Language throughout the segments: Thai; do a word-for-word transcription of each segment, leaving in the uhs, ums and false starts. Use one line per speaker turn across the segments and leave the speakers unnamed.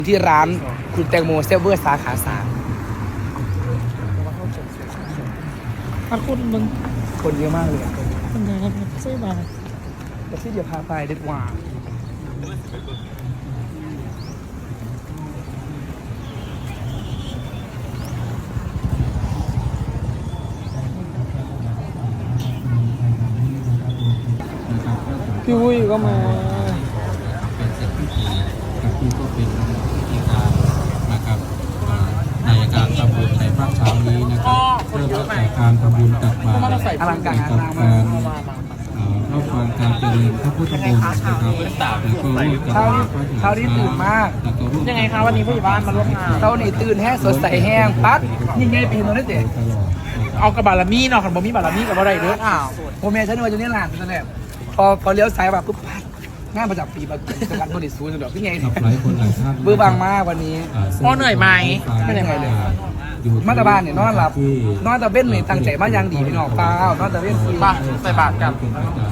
ที่ร้านคุณแตงโมเซเวอร์สาขาสาม
พัดคนมึง
คนเยอะมากเลย
คนไหนครับใช่ป่ะ
แต่ที่เดี๋ยวพาไปเด็ดว่า
พี่วุ้ยก็มา
เป็นสิ่งที่ดีกับที่ก็เป็นวิธีการนะครับในการทำบุญในภาคเช้านี้นะครับเริ่มจากการทำบุญตักบาตร
อลังการ
กับการรับฟังการเจริญพระพุทธมนต์นะครับแล้วก็ร่วมกัน
เช้านี้ตื่นมาก
ยังไงครับวันนี้ผู้ใหญ่บ้านมาร่วมงาน
เช้านี้ตื่นแห้งสดใสแห้งปั๊ดยิ่งใหญ่เป็นตัวนั่นเด็ก
เอากระบาลมีเนาะขันบ่มีบาลมีกับอะไรเด้ออ้าว
โมเมนต์ฉันว่าจะเนี่ยหลานเป็นแบบพอพอเลี้ยวซ้ายแบบปุ๊บปั๊ดงานประจำปีประกันบริสุทธิ์สุดแบบที่ไงเบื่อบางมากวันนี้
พ่อเหนื่อยไหม
ไม่เหนื่อยเลยมาตาบ้านเนี่ยนอนหลับนอนตะเบ้นเนี่ยตั้งใจมายังดีพี่น้องเปล่านอนตะเบ้น
ป้าใส่บาตรกัน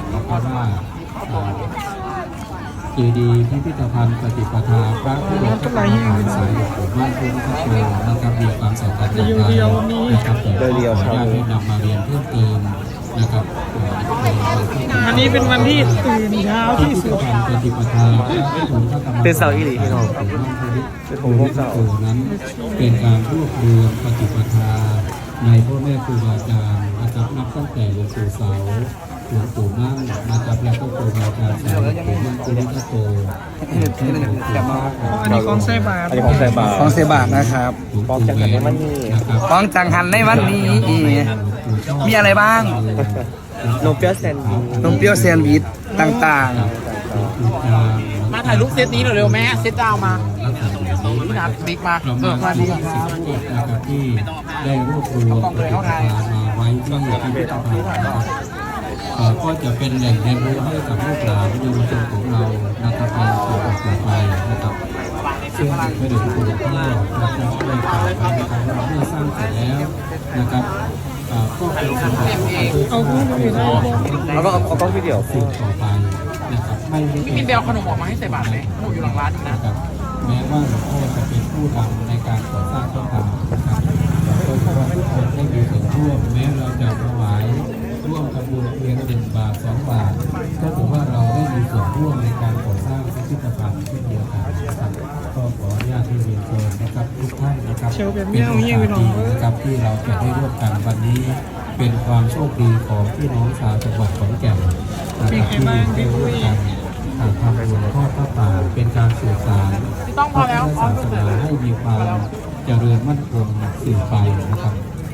เจดีย์พิพิธภัณฑ์ปฏิปทาพระพุทธศาสนาสายหลวงปู่มั่นพุทธคโตนะครับมีความสำคัญต่างๆนะครับแต่ขออนุญาตให้นำมาเรียนเพิ่มเติมนะครับ
วันนี้เป็นวันที่ตื่นเช้าที่สุด
ปฏิปทา
เป็นเสาอีหลีพี่น้อง
เป็นของพวกเสานั้นเป็นการรวบรวมปฏิปทาในพ่อแม่ครูบาอาจารย์นะครับนับตั้งแต่หลวงปู่เสาหลวงปู่มั่นนะครับแล้วก็ครูบาอาจารย์สายหลวงปู่มั่นพุทธโต
อันนี้ของเซบา
อันนี้ของเซบาของเซบานะครับ
ของจังหันในวันนี้
ของจังหันในวันนี้มีอะไรบ้าง
นมเปรี้ยวแซนด์วิช
นมเปรี้ยวแซนด์วิชต่าง
ๆมาถ่ายรูปเซตนี้เร็วๆแม่เซตดาวมาพี่นัทบิ๊กมา
เออมาดีครับที่ได้รวบรวมปฏิปทามาไว้ที่พิพิธภัณฑ์ก็จะเป็นแหล่งเรียนรู้ให้กับลูกหลานเยาวชนของเรานะครับในสู่ต่อไปนะครับซึ่งไม่ได้ถูกต้องนะครับได้กล่าวไปนะครับว่าเมื่อสร้างเสร็จแล้วนะครับก็เป็นสิ่งที่
เอากล้องวิดีโอ
เอาก็เอากล้องวิดีโอ
สิ่งต่อไปนะครับไม่
พี่มินเบลขนมออกมาให้ใส่บาตรไหมขนมอยู่หลังร้านนะ
แม้ว่าหลวงพ่อจะเป็นผู้นำในการก่อสร้างก็ตามนะครับโดยเฉพาะทุกคนได้มีส่วนร่วมแม้เราจะถวายร่วมทำบุญเพียงหนึ่งบาทสองบาทก็ถือว่าเราได้มีส่วนร่วมในการก่อสร้างพิพิธภัณฑ์เช่นเดียวกันนะครับก็ขออนุญาตที่เรียนเชิญนะครับทุกท่านนะครับเป็นโอกาสดีนะครับที่เราจะได้ร่วมกันวันนี้เป็นความโชคดีของพี่น้องชาวจังหวัดขอนแก่นนะครับที่ได้ร่วมกันทำบุญทอดพระป่าเป็นการสื่อสารพระพุทธศาสนาให้มีความเจริญมั่นคงสืบไปนะครับ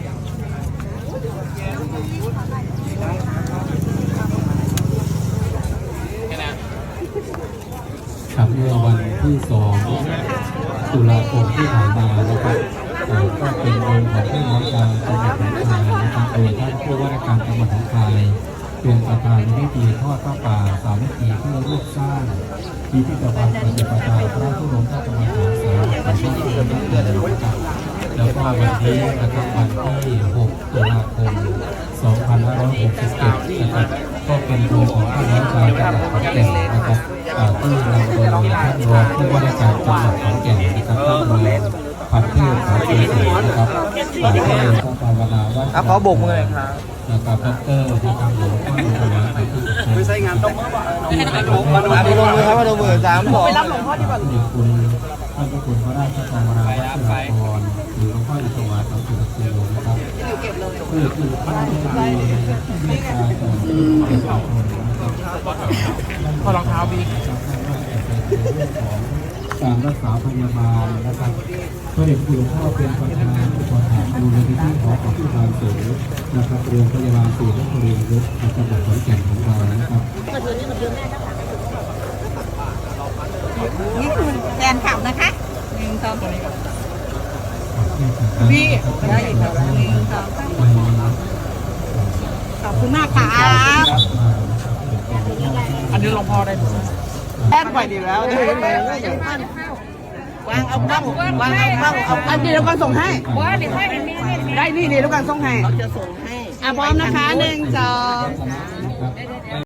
ครับเมื่อวันที่สองตุลาคมที่ผ่านมานะครับก็เป็นวันของพี่น้องชาวจังหวัดหนองคายนะครับโดยท่านผู้ว่าราชการจังหวัดหนองคายเป็นประธานในพิธีทอดพระป่าสามัคคีเพื่อร่วมสร้างพิพิธภัณฑ์ปฏิปทาพระพุทธพระธรรมฐานสายของพระพุทธเจ้านะครับแล้วก็วันนี้นะครับวันที่หกตุลาคมสองพันห้าร้อยหกสิบเจ็ดนะครับก็เป็นวันของพี่น้องชาวจังหวัดขอนแก่นนะครับที่นำโดยท่านรองผู้ว่าราชการจังหวัดขอนแก่นนะครับท่านรองพันเทพสายเกษตรนะครับฝ่ายที่ต้องภาวนาว่า
ขอโบกมือเลยครับ
นะครับดรนะครับหลวงพ่อหลวงพ่อไปที่
คือใช้งานต้องมาดูมาดูมือครับมาดูมือสามบอกไปรับหลวงพ่อที่บ้าน
คุณท่านพระคุณพระราชทานวราวัชรพรหรือหลวงพ่ออิศวาสังสุขโลนะครับเพื่อที่ท่านจะมีเมตตาต่อประชาชนนะครับ
พอรองเท้าบี
การรักษาพยาบาลนะครับพระเดชคุณหลวงพ่อเป็นประธานอุปถัมภ์มูลนิธิของผู้บริสุทธิ์นะครับโรงพยาบาลศูนย์นครินทร์จังหวัดขอนแก่นของเรานะครับ
นี่คือแฟนข่าวนะคะหนึ่งสอง
พี่
ได้อีกแล้วหนึ่งสองขอบคุณมากค่ะ
อันนี้หลวงพ่อได้
แอดไปดีแล้วได้ไหมวางเอาบ้างวางเอาบ้างเอาอันนี้แล้วก็ส่งให้ได้นี่นี่แล้วก็ส่งให้เราจะส่งให้อ่ะพร้อมนะคะหนึ่งสอง